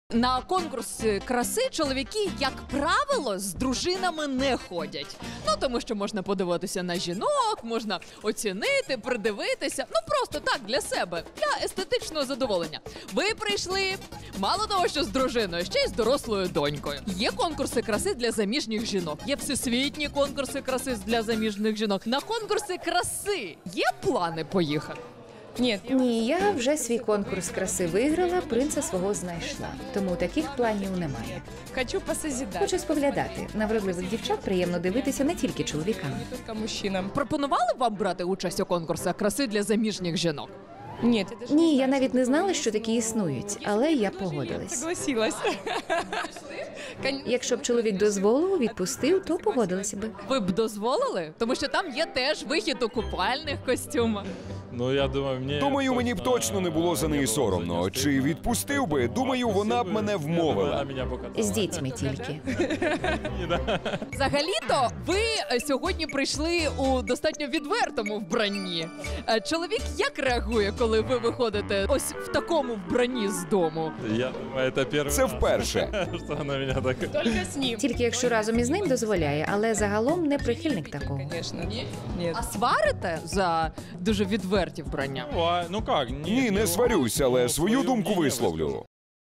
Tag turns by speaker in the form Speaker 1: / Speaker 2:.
Speaker 1: На конкурси краси чоловіки, як правило, з дружинами не ходять. Ну, тому що можна подивитися на жінок, можна оцінити, придивитися. Ну, просто так, для себе, для естетичного задоволення. Ви прийшли, мало того, що з дружиною, ще й з дорослою донькою. Є конкурси краси для заміжніх жінок, є всесвітні конкурси краси для заміжних жінок. На конкурси краси є плани поїхати?
Speaker 2: Ні, я вже свій конкурс краси виграла, принца свого знайшла. Тому таких планів немає.
Speaker 3: Хочу посозидать.
Speaker 2: Хочу споглядати. На вродливих дівчат приємно дивитися не тільки чоловікам.
Speaker 3: Не только мужчинам.
Speaker 1: Пропонували вам брати участь у конкурсах краси для заміжніх жінок?
Speaker 3: Нет, я даже
Speaker 2: Ні, я
Speaker 3: знаю,
Speaker 2: навіть не знала, що такі існують, але я погодилась.
Speaker 3: согласилась.
Speaker 2: Якщо б чоловік дозволив, відпустив, то погодилася би.
Speaker 1: Ви б дозволили? Тому що там є теж вихід у купальних костюмах.
Speaker 4: Ну, я думаю, мені б точно не було за неї соромно. Чи відпустив би? Думаю, вона б мене вмовила.
Speaker 2: З дітьми тільки.
Speaker 1: Взагалі-то ви сьогодні прийшли у достатньо відвертому вбранні. Чоловік як реагує, коли ви виходите ось в такому вбранні з дому?
Speaker 4: Це вперше.
Speaker 1: Ну,
Speaker 3: Только с ним.
Speaker 2: Тільки якщо разом із ним дозволяє, але загалом не прихильник такого.
Speaker 3: Конечно. Нет.
Speaker 1: А сварите за дуже відверті вбрання?
Speaker 4: Ні, не сварюсь, але свою думку висловлю.